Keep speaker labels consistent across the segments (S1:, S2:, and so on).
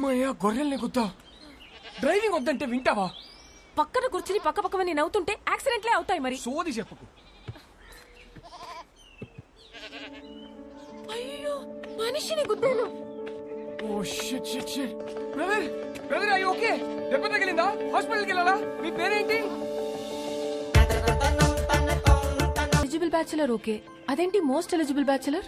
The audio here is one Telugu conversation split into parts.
S1: అమ్మయ్య గొర్రెల్ని గుద్దా. డ్రైవింగ్ వద్దంటే వింటావా?
S2: పక్కన కూర్చుని పక్క పక్కవని నవ్వుతుంటే యాక్సిడెంట్లే అవుతాయి మరి.
S1: సోది చెప్పకు.
S2: అయ్యో మనిషిని గుద్దాను.
S1: Oh shit shit shit. Brother brother అయ్యో ఓకే. దెబ్బ తగిలిందా? హాస్పిటల్కి వెళ్ళాలా? మీ పేరేంటి?
S2: Eligible bachelor okay. అదేంటి మోస్ట్ ఎలిజిబుల్ బ్యాచులర్?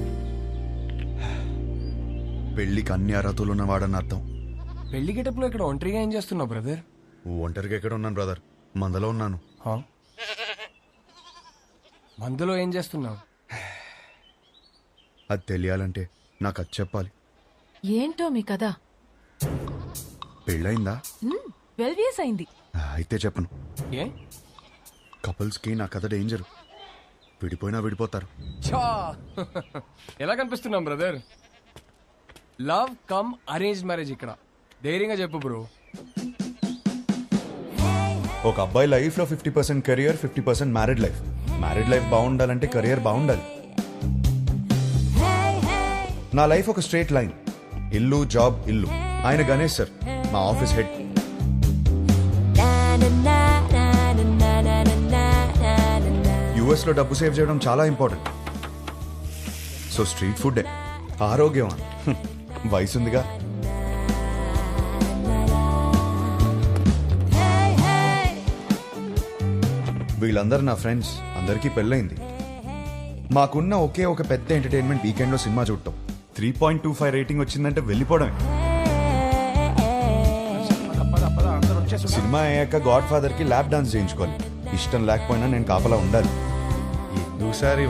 S3: పెళ్లికి అన్ని అర్హతలు ఉన్నవాడని అర్థం.
S1: పెళ్లి గెటప్లో ఇక్కడ ఒంటరిగా ఏం చేస్తున్నావు బ్రదర్?
S3: ఒంటరిగా ఎక్కడ ఉన్నాను బ్రదర్, మందలో ఉన్నాను.
S1: మందులో ఏం చేస్తున్నావు?
S3: అది తెలియాలంటే నాకు అది చెప్పాలి.
S2: ఏంటో మీ కదా?
S3: పెళ్ళయిందా?
S2: 12 years అయింది.
S3: అయితే చెప్పను.
S1: ఏ?
S3: కపుల్స్ కి నా కథ డేంజర్. విడిపోయినా విడిపోతారు.
S1: చా ఎలా కనిపిస్తున్నాం brother? Love come arrange marriage ఇక్కడ. ధైర్యంగా చెప్పు బ్రో.
S3: ఒక అబ్బాయి లైఫ్ లో 50% career, 50% married life. Married life బాగుండాలంటే కెరియర్ బాగుండాలి. నా లైఫ్ ఒక స్ట్రేట్ లైన్. ఇల్లు జాబ్ ఇల్లు. ఆయన గణేష్ సార్ మా ఆఫీస్ హెడ్. యుఎస్ లో డబ్బు సేవ్ చేయడం చాలా ఇంపార్టెంట్. సో స్ట్రీట్ ఫుడ్ ఆరోగ్యం. వయసుందిగా. వీళ్ళందరూ నా ఫ్రెండ్స్. అందరికీ పెళ్ళైంది. మాకున్న ఒకే ఒక పెద్ద ఎంటర్టైన్మెంట్ వీకెండ్ లో సినిమా చూడటం. 3.25 రేటింగ్ వచ్చిందంటే వెళ్ళిపోవడమే. సినిమా అయ్యాక గాడ్ ఫాదర్ కి ల్యాప్ డాన్స్ చేయించుకోవాలి. ఇష్టం లేకపోయినా నేను కాపలా ఉండాలి. ఎందుసారి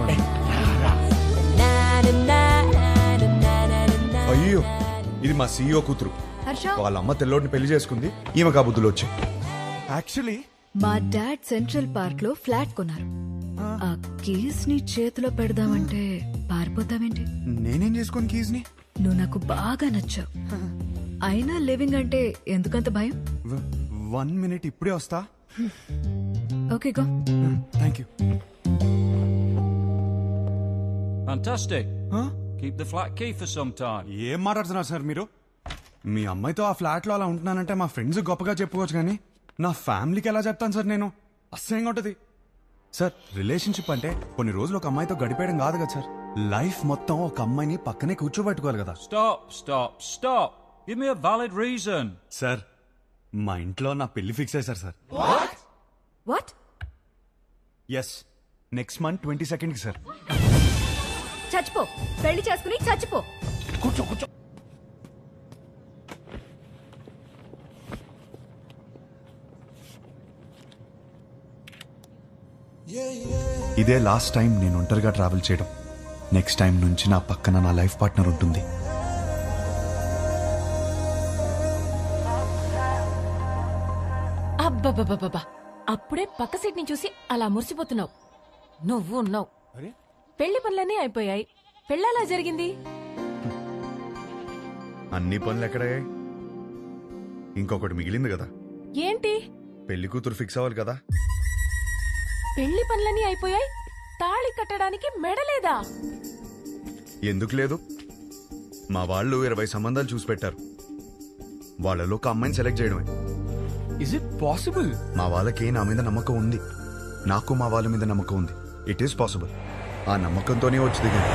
S3: అయ్యో ఇది మా సీఈఓ కూతురు. వాళ్ళ అమ్మ తెల్లోడిని పెళ్లి చేసుకుంది. ఈమె కాబుద్దులు వచ్చాయి.
S4: యాక్చువల్లీ
S5: మా డాడ్ సెంట్రల్ పార్క్ లో ఫ్లాట్ కొన్నారు. ఆ కీస్ ని చేతిలో పెడదామంటే పారిపోతావేంటి?
S4: నేనేం చేసుకోను కీస్ ని.
S5: నువ్వు నాకు బాగా నచ్చావు. అయినా లివింగ్ అంటే ఎందుకంత భయం?
S4: 1 minute ఇప్పుడే వస్తా.
S5: Okay go.
S4: Thank you.
S6: Fantastic. Keep the flat key for some time.
S4: ఏం మాట్లాడుతున్నారు సార్ మీరు? మీ అమ్మాయితో ఆ ఫ్లాట్ లో అలా ఉంటున్నానంటే మా ఫ్రెండ్స్ గొప్పగా చెప్పుకోవచ్చు, కానీ నా ఫ్యామిలీకి ఎలా చెప్తాను సార్ నేను? అసహ్యంగా ఉంటది సార్. రిలేషన్షిప్ అంటే కొన్ని రోజులు ఒక అమ్మాయితో గడిపేయడం కాదు కదా సార్. లైఫ్ మొత్తం ఒక అమ్మాయిని పక్కనే కూర్చోబెట్టుకోవాలి కదా.
S6: Stop. Give me a valid reason.
S4: Sir మా ఇంట్లో నా పెళ్లి ఫిక్స్ అయ్యారు sir.
S5: What?
S4: Yes, next month 22nd కి సార్.
S5: చచ్చిపో. పెళ్లి చేసుకుని చచ్చిపో.
S1: కూర్చో.
S3: ఇదే లాస్ట్ టైం నేను ఒంటరిగా ట్రావెల్ చేయడం. నెక్స్ట్ టైం నుంచి నా పక్కన నా లైఫ్ పార్ట్నర్ ఉంటుంది.
S2: అబ్బబ్బబ్బబ్బా, అప్పుడే పక్క సీట్ ని చూసి అలా మురిసిపోతున్నావు. నువ్వు ఉన్నావు. పెళ్లి పనులన్నీ అయిపోయాయి. పెళ్ళలా జరిగింది.
S3: అన్ని పనులు ఎక్కడయ్యాయి? ఇంకొకటి మిగిలింది కదా.
S2: ఏంటి?
S3: పెళ్లి కూతురు ఫిక్స్ అవ్వాలి కదా.
S2: పెళ్లి పనులన్నీ అయిపోయాయి. తాళి కట్టడానికి మెడలేదా?
S3: ఎందుకు లేదు? మా వాళ్ళు 20 సంబంధాలు చూసి పెట్టారు. వాళ్ళలో ఒక అమ్మాయిని సెలెక్ట్ చేయడమే.
S1: Is it possible?
S3: మా వాళ్ళకి నా మీద నమ్మకం ఉంది. నాకు మా వాళ్ళ మీద నమ్మకం ఉంది. It is possible. ఆ నమ్మకంతోనే వచ్చి దిగింది.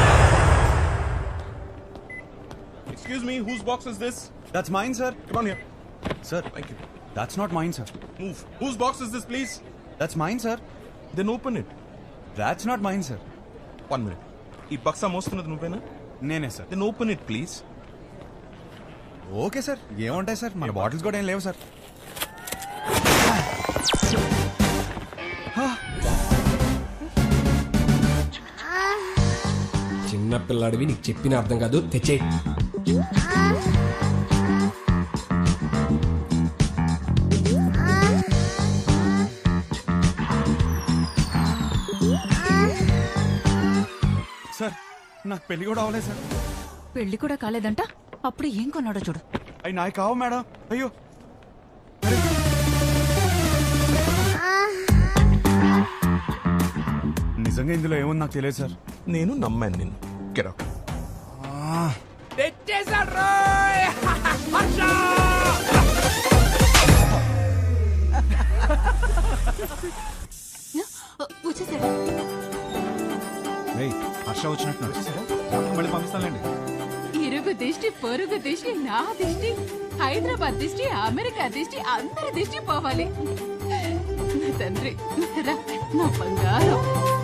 S7: Excuse me, whose box is this?
S4: That's mine, sir.
S7: Come on here.
S4: Sir,
S7: Thank you.
S4: that's not mine, sir.
S7: Move. Whose box is this, please?
S4: That's mine, sir.
S7: Then open it.
S4: That's not mine, sir.
S7: 1 minute. ఈ బక్సా మోస్తున్నది నువ్వేనా?
S4: నేనే sir.
S7: Then open it, please.
S4: Okay sir. ఏముంటాయి సార్, మన బాటిల్స్ కూడా ఏం లేవు సార్.
S1: చిన్న పిల్లాడివి, నీకు చెప్పిన అర్థం కాదు. తెచ్చే.
S4: సార్ నాకు పెళ్లి కూడా అవ్వలేదు సార్.
S5: పెళ్లి కూడా కాలేదంట. అప్పుడు ఏం కొన్నాడో చూడు.
S4: అవి నాకు కావు మేడం. అయ్యో నిజంగా ఇందులో ఏముంది నాకు తెలియదు సార్.
S7: నేను నమ్మాను నిన్ను. Get out.
S1: తెచ్చేసాడు.
S4: హర్ష వచ్చినట్టున్నాడు. మళ్ళీ పంపిస్తానులేండి.
S8: ఇరుగు దిష్టి పొరుగు దిష్టి నా దిష్టి హైదరాబాద్ దిష్టి అమెరికా దిష్టి అందరి దిష్టి పోవాలి. నా తండ్రి రా, నా బంగారం.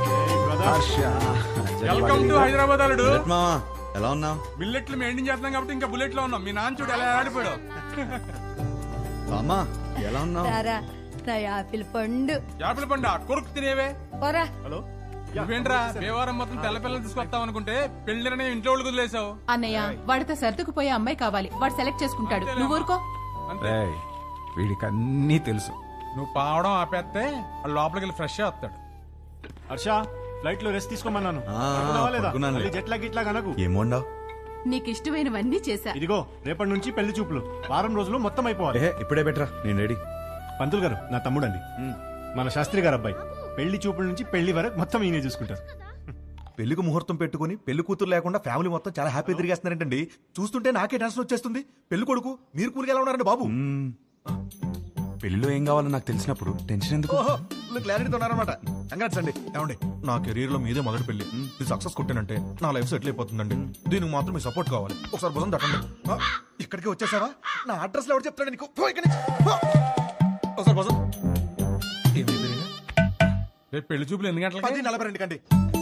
S4: వెల్కమ్ టు హైదరాబాద్ అల్లుడు.
S3: మామా ఎలా ఉన్నావు?
S4: బిల్లెట్లు మెయింటైన్ చేస్తున్నాం కాబట్టి ఇంకా బుల్లెట్ లో ఉన్నాం. మీ నాన్న చూడు ఎలా ఆడిపోయాడు.
S3: అమ్మా ఎలా ఉన్నావు?
S9: నా యాపిల్ పండు
S4: యాపిల్ పండు కొరుకు తినేవే.
S9: పోరా.
S4: నువ్వేంట్రా దేవారం మొత్తం తెల్ల పిల్లలు తీసుకొస్తావు అనుకుంటే పెళ్లిరనే ఇంట్లో వాళ్ళు వదిలేసావు.
S8: అన్నయ్య వాడితో సర్దుకుపోయే అమ్మాయి కావాలి, వాడు సెలెక్ట్ చేసుకుంటాడు. నువ్వు ఊరుకో.
S10: వీడికి అన్నీ తెలుసు.
S4: నువ్వు పావడం ఆపేస్తే వాడు లోపలికి వెళ్ళి ఫ్రెష్ వస్తాడు.
S10: హర్ష ఫ్లైట్ లో రెస్ట్ తీసుకోమన్నాను.
S3: ఆ, పడుకున్నానులే.
S10: జెట్లా గిట్లా కనకు.
S3: ఏం వండావు?
S8: నీకు ఇష్టమైనవన్నీ చేశా.
S10: ఇదిగో రేపటి నుంచి పెళ్లి చూపులు వారం రోజులు మొత్తం అయిపోవాలి.
S3: ఇప్పుడే బెటరా, నేను రెడీ.
S10: పంతులు గారు నా తమ్ముడండి, మన శాస్త్రి గారు అబ్బాయి. పెళ్లి చూపుల నుంచి పెళ్లి వరకు మొత్తం ఈయనే చూసుకుంటారు.
S11: పెళ్లికి ముహూర్తం పెట్టుకుని పెళ్లి కూతురు లేకుండా ఫ్యామిలీ మొత్తం చాలా హ్యాపీ తిరిగేస్తున్నారంటండి. చూస్తుంటే నాకే టెన్షన్ వచ్చేస్తుంది. పెళ్లి కొడుకు మీరు కూలికి ఎలా ఉన్నారండి బాబు?
S4: పెళ్లిలో ఏం కావాలో నాకు తెలిసినప్పుడు టెన్షన్ ఎందుకు?
S11: క్లారిటీతో ఉన్నారనమాట. కంగ్రాట్స్ అండి. ఏమండి నా కెరీర్ లో మీదే మొదటి పెళ్లి. ఇది సక్సెస్ కొట్టానంటే నా లైఫ్ సెటిల్ అయిపోతుందండి. దీనికి మాత్రం మీ సపోర్ట్ కావాలి. ఒకసారి భుజం తట్టండి. ఇక్కడికి వచ్చేసావా? నా అడ్రస్ లో ఎవరు చెప్తాడు నీకు? పో ఇక్కడి నుంచి. పో. ఒకసారి భుజం.
S4: రేపు పెళ్లి చూపులు ఎన్ని గంటలకి?
S11: 10:42 కండి.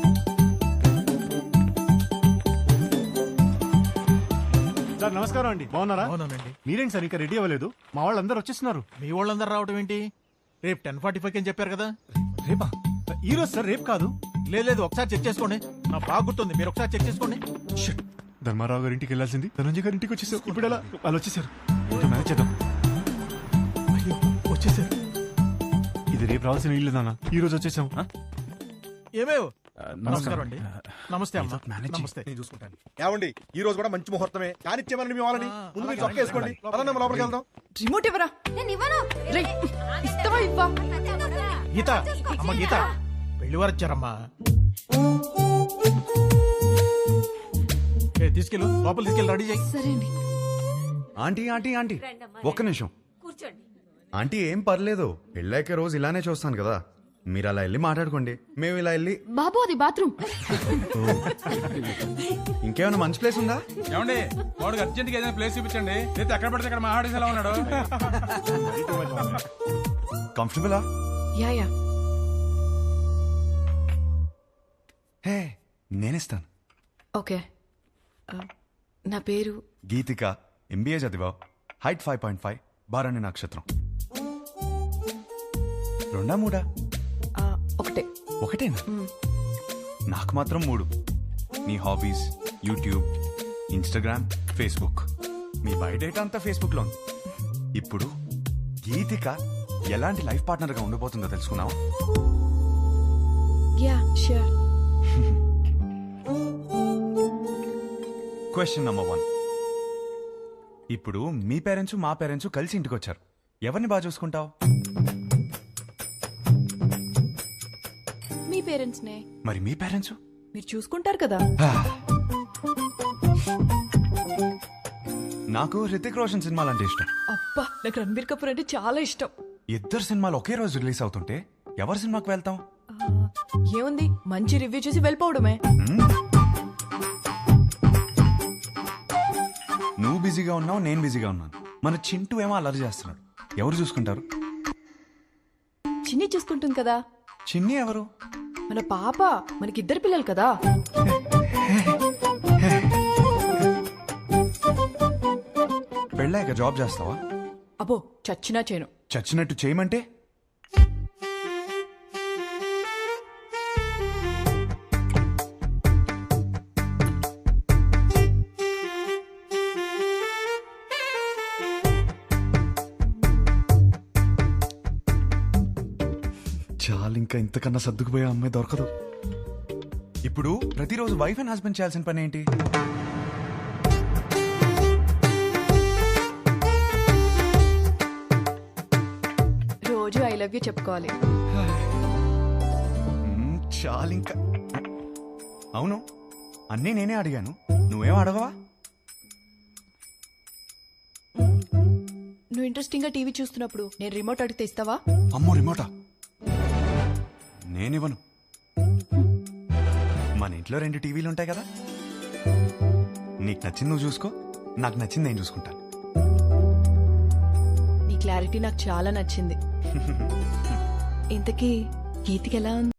S10: సార్ నమస్కారం అండి, బాగున్నారా? మీరేంటి సార్ ఇంకా రెడీ అవ్వలేదు? మా వాళ్ళందరూ వచ్చేస్తున్నారు.
S12: మీ వాళ్ళందరూ రావడం ఏంటి? రేపు 10:45 అని చెప్పారు కదా.
S10: రేపా? ఈ రోజు సార్, రేపు కాదు.
S12: లేదు ఒకసారి చెక్ చేసుకోండి. నా బాగా గుర్తుంది, మీరు ఒకసారి చెక్ చేసుకోండి.
S10: షిట్. ధర్మారావు గారి ఇంటికి వెళ్ళాల్సింది ధనంజయ్ గారి ఇంటికి వచ్చేసారు. ఇప్పుడు ఎలా? వాళ్ళు వచ్చేసారు. మేనేజ్ చేద్దాం.
S12: అయ్యో వచ్చేసారు.
S10: ఇది రేపు రావాల్సిన ఇల్లు నాన్న, ఈ రోజు వచ్చేసాం.
S12: ఏమేవ్ నమస్కారం అండి. నమస్తే అమ్మా.
S10: నమస్తే.
S11: నేను చూసుకుంటాను. ఏమండి ఈ రోజు కూడా మంచి ముహూర్తమే. కానిచ్చేమని మీ వాళ్ళని ముందు మీరు చొక్క వేసుకోండి. పదండి మనం లోపలికి వెళ్దాం.
S5: రిమోట్ ఇవ్వరా.
S9: నేను ఇవ్వను.
S5: ఇస్తావా ఇవ్వా?
S12: గీత అమ్మ గీత పెళ్లి వారు వచ్చారమ్మా. తీసుకెళ్ళు లోపల తీసుకెళ్ళి రెడీ చేయి.
S5: సరే అండి.
S3: ఆంటీ ఆంటీ ఆంటీ ఒక్క నిమిషం. ఆంటీ ఏం పర్లేదు, పెళ్ళాక రోజు ఇలానే చూస్తాను కదా. మీరు అలా వెళ్ళి మాట్లాడుకోండి, మేము ఇలా వెళ్ళి.
S5: బాబు అది బాత్రూమ్.
S3: ఇంకేమైనా మంచి ప్లేస్ ఉందా?
S4: ఏమండి వాడికి అర్జెంట్ గా ఏదైనా ప్లేస్ చూపించండి. లేదా ఎక్కడ పడితే అక్కడ మా ఆడేసి ఎలా ఉన్నాడు.
S3: కంఫర్టబులా?
S5: Yeah yeah.
S3: హే నేనిస్తాను.
S5: ఓకే. నా పేరు
S3: గీతిక, ఎంబీఏ చదివా, హైట్ 5.5, బారాణి నక్షత్రం. 2 3?
S5: ఒకటే.
S3: ఒకటేనా? నాకు మాత్రం 3. నీ హాబీస్ యూట్యూబ్, ఇన్స్టాగ్రామ్, ఫేస్బుక్. మీ బయోడేటా అంతా ఫేస్బుక్ లో ఉంది. ఇప్పుడు గీతిక ఎలాంటి లైఫ్ పార్ట్నర్ గా ఉండబోతుందో తెలుసుకున్నావా?
S5: Yeah sure.
S3: Question number 1. ఇప్పుడు మీ పేరెంట్స్ మా పేరెంట్స్ కలిసి ఇంటికి వచ్చారు. ఎవరిని బాగా చూసుకుంటావు?
S5: మీ పేరెంట్స్ నే.
S3: మరి మీ పేరెంట్స్?
S5: మీరు చూసుకుంటారు కదా.
S3: నాకు హృతిక్ రోషన్ సినిమాలు అంటే ఇష్టం.
S5: అబ్బా నాకు రణబీర్ కపూర్ అంటే చాలా ఇష్టం.
S3: ఇద్దరు సినిమాలు ఒకే రోజు రిలీజ్ అవుతుంటే ఎవరి సినిమాకి వెళ్తాం?
S5: ఏముంది, మంచి రివ్యూ చూసి వెళ్ళిపోవడమే.
S3: నువ్వు బిజీగా ఉన్నావు, నేను బిజీగా ఉన్నాను. మన చింటూ ఏమో అల్లరి చేస్తున్నాడు. ఎవరు చూసుకుంటారు?
S5: చిన్ని చూసుకుంటుంది కదా.
S3: చిన్ని ఎవరు?
S5: మన పాప. మనకిద్దరు పిల్లలు కదా.
S3: పెళ్ళాక జాబ్ చేస్తావా?
S5: అబ్బో చచ్చినా చేయను.
S3: చచ్చినట్టు చేయమంటే? చాలు, ఇంకా ఇంతకన్నా సర్దుకుపోయే అమ్మాయి దొరకదు. ఇప్పుడు ప్రతిరోజు వైఫ్ అండ్ హస్బెండ్ చేయాల్సిన పని ఏంటి?
S5: రోజు ఐ లవ్ యూ చెప్పుకోవాలి.
S3: చాలు ఇంకా. అవును, అన్నీ నేనే అడిగాను, నువ్వేం అడగవా?
S5: నువ్వు ఇంట్రెస్టింగ్ గా టీవీ చూస్తున్నప్పుడు నేను రిమోట్ అడిగితే ఇస్తావా?
S3: అమ్మో రిమోటా? నేనివ్వను. మన ఇంట్లో 2 టీవీలు ఉంటాయి కదా, నీకు నచ్చింది నువ్వు చూసుకో, నాకు నచ్చింది నేను చూసుకుంటాను.
S5: నీ క్లారిటీ నాకు చాలా నచ్చింది. ఇంతకీ గీతికి ఎలా ఉంది?